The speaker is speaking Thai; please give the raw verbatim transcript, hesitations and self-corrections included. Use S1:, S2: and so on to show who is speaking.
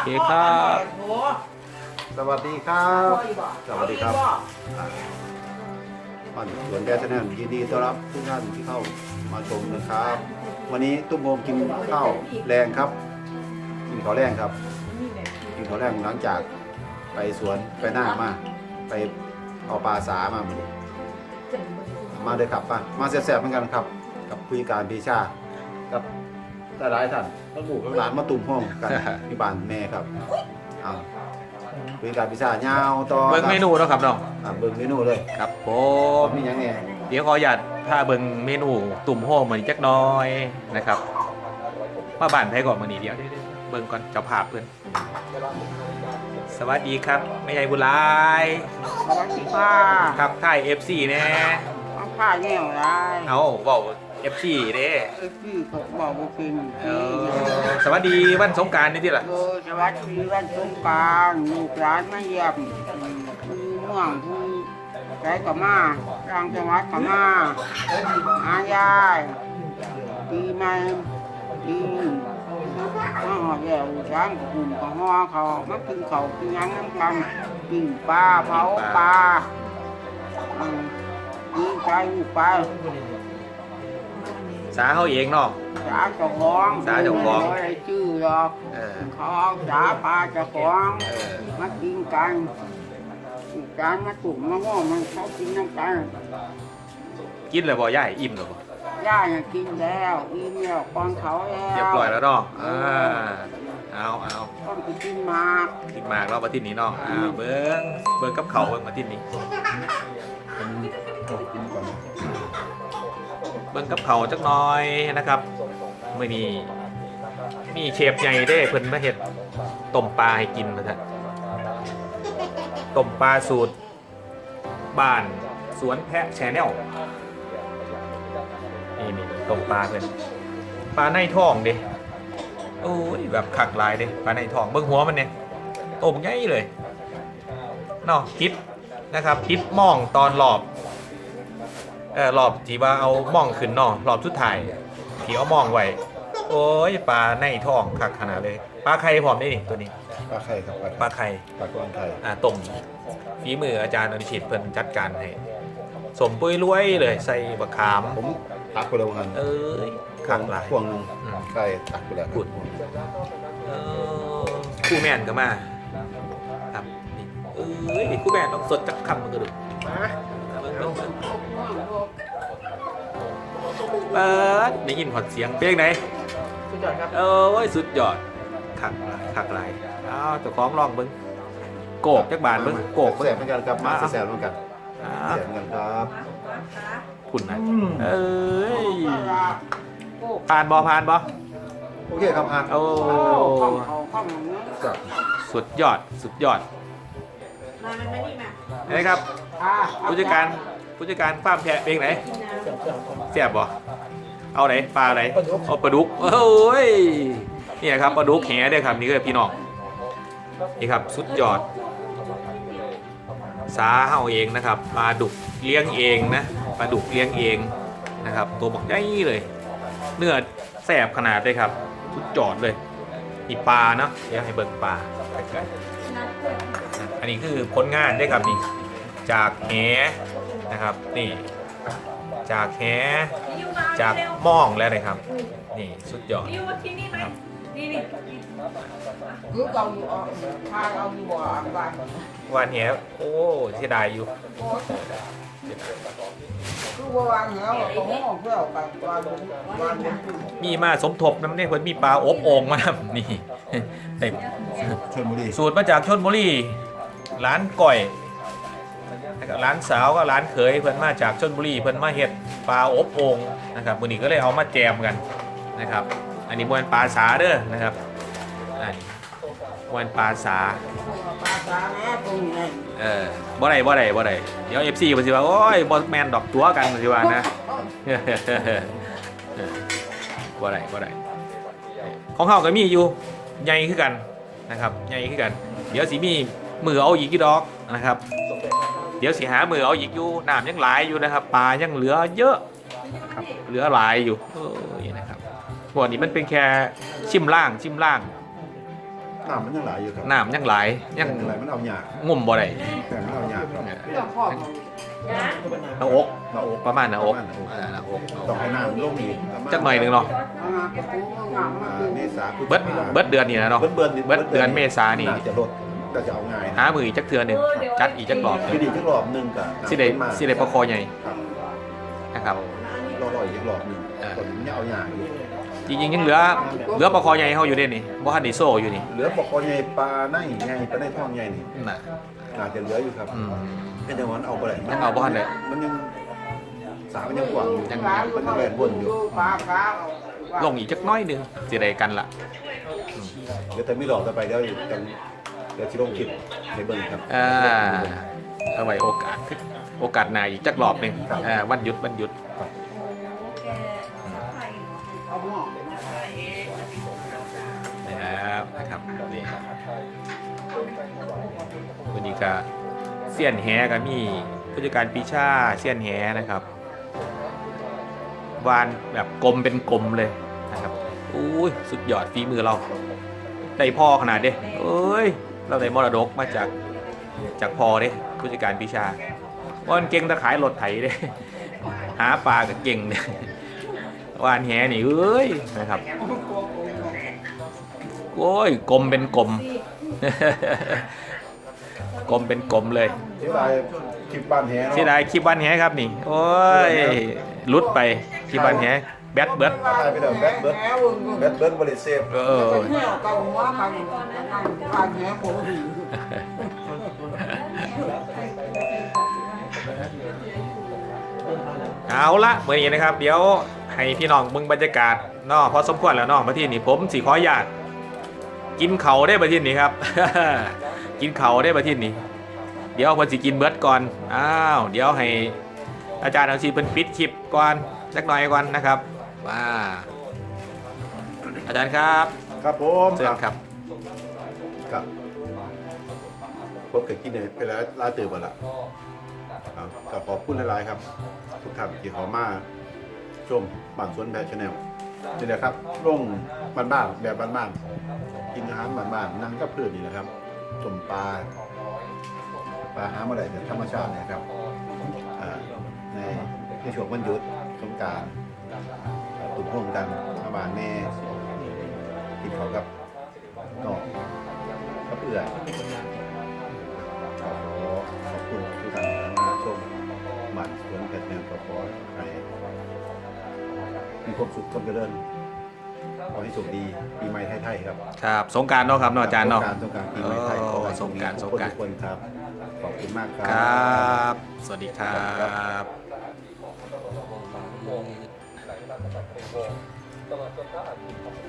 S1: เคครับ
S2: สวัสดีครับสวัสดีครับบ้านสวนแกชแนลยินดีต้อนรับทุกท่านที่เข้ามาชมนะครับ วันนี้ตุ้มโฮมกินข้าวแรงครับกินข้าวแรงครับกินข้าวแรงหลังจากไปสวนไปหน้ามาไปเอาปลาสามาเหมือนมาเลยครับป่ะมาแซ่บๆเหมือนกันครับกับคุยการพีชากับหลายท่านแล้วลูกหลานมาตุ่มห้องกันที่บ้านแม่ครับอ้าวคุยการพิซซ่ายาวต่อ
S1: เบิ่งเมนูเนาะครับน้อง
S2: อ่าเบิ่งเมนูเลย
S1: ครับผ
S2: ผม มมีหยังไง
S1: เดี๋ยวขออนุญาตพาเบิ่งเมนูตุ่มโฮมเหมือนจักหน้อยนะครับมาบ้านไผก่อนมื้อนี้เดี๋ยวเบิ่งก่อนเจ้าภาพเพิ่นสวัสดีครับแม่ใหญ่บุญหลาย
S3: สวัสดีค่ะ
S1: ครับค่าย เอฟ ซี แน่
S3: เอาผ้าแง่วได้
S1: เอาเว้า เอฟ ซี เด้
S3: เอ้ยพี่เขาบอกว่าเป็น
S1: เออสวัสดีวันสงกรานต์นี่ติล่ะ
S3: เออสวัสดีวันสงกรานต์ลูกหลานมาเยี่ยมผู้เมืองผู้ใจก็มาทางจังหวัดก็มาหายายปีใหม่ปีมาหอดแล้วช้างกับหุ่นกับห่อเขามากินเขาวกินหยังน้ำกันกินปลาเผาปลาอืมกินใจลูกปลา
S1: สาเฮาเองเนาะ
S3: สาเจ้าของ
S1: สาเจ้าของ
S3: ไม่ได้ชื่อหรอก
S1: เออ
S3: เขาเอาสาปลาเจ้าของ
S1: เออ
S3: มากินกันการมาตุ่มมาง้อมันเขากินน้ำกัน
S1: กินแล้วบ่ยายอิ่มแล้วบ่
S3: ย่าเนี่ยกินแล้วอิ่มแล้วก่อนเขาแล้ว
S1: เรียบร้อยแล้วเนาะอ่าเอาเอา
S3: ต้องไปกินหมาก
S1: กินหมากเรามาที่นี้เนาะอ่าเบิ้งเบิ้งกับเขาวเบิ้งมาที่นี้
S2: กินก่อน
S1: เบิ้งกับเขาวจักหน้อยนะครับมื่อนี้มีเชฟใหญ่เด้เพิ่นมาเฮ็ดต้มปลาให้กินมาท่านต้มปลาสูตรบ้านสวนแพะแชนแนลนี่นี่ต้มปลาเพิ่นปลาในท้องเด้โอ้ยแบบขักลายเด้ปลาในท้องเบิ้งหัวมันเนี่ยต้มใหญ่เลยเนาะคิดนะครับคิดมองตอนหลอบเออหลอบที่ว่าเอามองขึ้นเนาะหลอบสุดท้ายที่เอามองไว้โอ้ยปลาในท้องคักขนาดเลยปลาไข่พร้อมได้นี่ตัวนี้
S2: ปลาไข่ครับ
S1: ปลาไข่
S2: ปลากวนไข่
S1: อ่าต้มฝีมืออาจารย์อนุชิตเพิ่นจัดการให้สมปุ้ยรวยเลยใส่บะขาม
S2: ผมตักไปแล้วกัน
S1: เอ้ยคักหลาย
S2: พวงหนึงไข่ตักไปแล้ว
S1: กุด เออคู่แม่นก็มาครับนี่เอ้ยคู่แม่นต้องสดจักคำมันก็ดูเบิ่งเบิ่งเบิ่งเปิดได้ยินหอดเสียงเพลงไหน
S3: สุดยอดครับ
S1: เออโอ้ยสุดยอดคักหลายคักหลายอ้าวเจ้าของลองเบิ่งโกกจักบาทเบิ่งโกก
S2: แซ่บเหมือนกันครับมา
S1: มา
S2: แซ่บเหมือนกัน
S1: อ้า
S2: แซ่บเหมือนกันครับ
S1: คุณนะเอ้ยผ่านบอผ่านบอ
S2: โอเคครับอ่ะ
S1: โอ้
S3: ข้องเขาข้องอย่างนี้
S2: ครับ
S1: สุดยอดสุดยอด
S4: มามันไม่นี่มา
S1: นี่ครับ
S3: อ่า
S1: ผู้จัดการผู้จัดการฟาร์มแพะเป็นไหนแซ่บบ่เอาไหนปลาไหนเอาปลาดุกโอ้ยนี่ครับปลาดุกแหเด้อครับนี่คือพี่น้องนี่ครับสุดยอดสาเฮาเองนะครับปลาดุกเลี้ยงเองนะปลาดุกเลี้ยงเองนะครับตัวบักใหญ่เลยเนื้อแซ่บขนาดเลยครับสุดยอดเลยนี่ปลาเนาะเดี๋ยวให้เบิ่งปลาใกล้ๆอันนี้คือผลงานได้อครับนี่จากแหนะครับนี่จากแหจากหม่องแล้วนะครับนี่สุดยอด
S4: นี่ว่าที่นี่ไหมนี่นี่
S3: คือเอาอยู่อ่ะพาเอาอยู่บ่อบ้าน
S1: วานแหโอ้เสียดายอยู่
S3: คือว่าวางเหวอะตรงห้องเพื่อเอาไปวางวางบนตู้
S1: มีมาสมทบน้ำเนี่ยเพิ่นมีปลาอบโอ่งมา นี่เต็ม
S2: ชลบุรี
S1: สูตรมาจากชลบุรีร้านก่อยนะครับร้านสาวก็ร้านเขยเพิ่นมาจากชลบุรีเพิ่นมาเฮ็ดปลาอบโอ่งนะครับมื้อนี้ก็เลยเอามาแจมกันนะครับ อันนี้มวนปลาสาเด้อนะครับอันนี้มวนปลาสา
S3: ปลาสาแม่ตรงนี้
S1: เออบ่ได้บ่ได้บ่ได้เดี๋ยว เอฟ ซี เพิ่นสิว่าโอ้ยบ่แม่นดอกตัวกันเพิ่นสิว่านะ บ่ได้บ่ได้ของเฮาก็มีอยู่ใหญ่คือกันนะครับใหญ่คือกัน เดี๋ยวสิมีมือเอาอีกกี่ดอกนะครับ เดี๋ยวสิหามือเอาอีกอยู่น้ำยังหลายอยู่นะครับปลายังเหลือเยอะครับเหลือหลายอยู่เออนี่นะครับพวกนี้มันเป็นแค่ชิมล่างชิมล่าง
S2: น้ำมันยังหลายอยู่ครับ
S1: น้ำยังหลายยัง
S2: อะไรมันเอาหยาก
S1: งุ่มบ่ได้
S2: แต่มันเอาหยากครับ
S3: เรื่องพ่อของ
S1: หน้าอก
S2: หน้าอก
S1: ประมาณหน้าอก
S2: ประมาณหน้าอก
S1: อ่าหน้าอก
S2: ต้องให้น้ำลงอีกประมาณ
S1: จักหน่อยหนึงเนาะ
S3: มากระปูงามมา
S2: อ่า
S3: ดู
S2: เมษาพฤศจิ
S1: เบิด
S2: กา
S1: เบิดเดือนนี่นะเนาะ
S2: เบิดเบิด
S1: เบิดเดือนเมษานี่
S2: จะลดก็จะเอาง่าย
S1: หามืออีกจักเทือหนึงจัดอีกจักรอบห
S2: คือ
S1: นึ่ง
S2: ดีจักรอบหนึงกับ
S1: สิได้สิได้ประคอใหญ่
S2: ครับ
S1: นะครับ
S2: รอรออีกจักรอบหนึง
S1: อ่า
S2: ก่อนมันจะเอาหยากอยู่
S1: จริงๆยังเหลือเหลือประคอใหญ่เฮาอยู่เด้นี่บ่ทันได้โซ่อยู่นี่
S2: เหลือปลาคอใหญ่ปลาในใหญ่ปลาในท้องใหญ่นี่
S1: น่ะ
S2: อาจจะเหลืออยู่ครับ
S1: อืม
S2: ก็จะวันเอาไปไหน
S1: ยังเอาบ่ทันได้
S2: มันยังสามันยังกว่างอยู่
S1: ยัง
S2: มันยังแหวนวนอยู่
S3: ปลาปลา
S1: ลงอีกจักหน้อยหนึงสิได้กันละ
S2: เดี๋ยวแต่ไม่หลอกต่อไปเดี๋ยวอยู่กันเดี๋ยวที่ลงคลิปให้เบิ่งครับ
S1: อ่าเอาไว้โอกาสโอกาสหน้าอีกจักรอบหนึงอ่าวันหยุดวันหยุด
S3: เอาหม้อ
S1: นะครับนะครับนี่วันนี้ก็เสี้ยนแหก็มีผู้จัดการปีชาเสี้ยนแหนะครับวานแบบกลมเป็นกลมเลยนะครับอุ้ยสุดยอดฝีมือเราได้พ่อขนาดเด้เอ้ยเราได้มรดกมาจากจากพ่อเด้ผู้จัดการปีชาวันเก่งตะขายรถไถเด้หาปลาก็เก่งเนี่ยวานแหนี่เอ้ยนะครับ โอ้ยกลมเป็นกลม กลมเป็นกลมเลย
S2: ที่ลายคลิปบ้านแหเนาะ
S1: ที่ได้คลิปวันแหครับนี่ โอ้ยหลุดไปคลิปวันแหแบตเบิด
S2: ตายไปแล้วแบทเบิร์ดแบทเบิร์ดบริเซฟ
S1: เออ
S3: เที่ยวเกาหัวกันบ้านแง่ผม
S1: เอาละเมื่อนี้นะครับ เดี๋ยวให้พี่น้องมึงบรรยากาศเนาะพอสมควรแล้วเนาะมาที่นี่ผมสิขออนุญาตกินเขาได้มาที่นี่ครับ กินเขาได้มาที่นี่เดี๋ยวคนสิกินเบิร์ดก่อนอ้าวเดี๋ยวให้อาจารย์เอาชีเป็นปิดคลิปก่อนสักหน่อยก่อนนะครับว้าอาจารย์ครับ
S2: ครับผม
S1: เชิญครับ
S2: ครับผมเคยกินเนี่ยไปแล้วลาตื่นหมดละครับก็ขอบคุณหลายๆครับ ทุกท่านที่เขอมาชมบ้านสวนแบบชาแนลนี่แหละครับลงบ้านๆแบบบ้านๆกินอาหารบ้านๆนั่งกับเพื่อนนี่แหละครับต้มปลาปลาหามาได้จากธรรมชาติเนี่ยครับอ่าในในช่วงวันหยุดสงกรานต์ตุ่มร่วมกันมาบ้านแม่กินเขาวกับนอกกับเพื่อนขอขอบคุณทุกท่านที่มาชมบ้านสวนแบบชาแนลก็ขอให้มีความสุขความเจริญขอให้โชคดีปีใหม่ไทยๆครับ
S1: ครับสงกรารเนาะครับเนาะอาจารย์เนาะ
S2: สงกรานต์สงกรานต์ปีใหม่ไทยขอให้
S1: สงกรานต์
S2: ทุ
S1: สงกรานต์
S2: ทุกคนครับ ขอบคุณมากครั
S1: ครับ สวัสดีครับ
S5: ตลอดจนพระอาทิตย์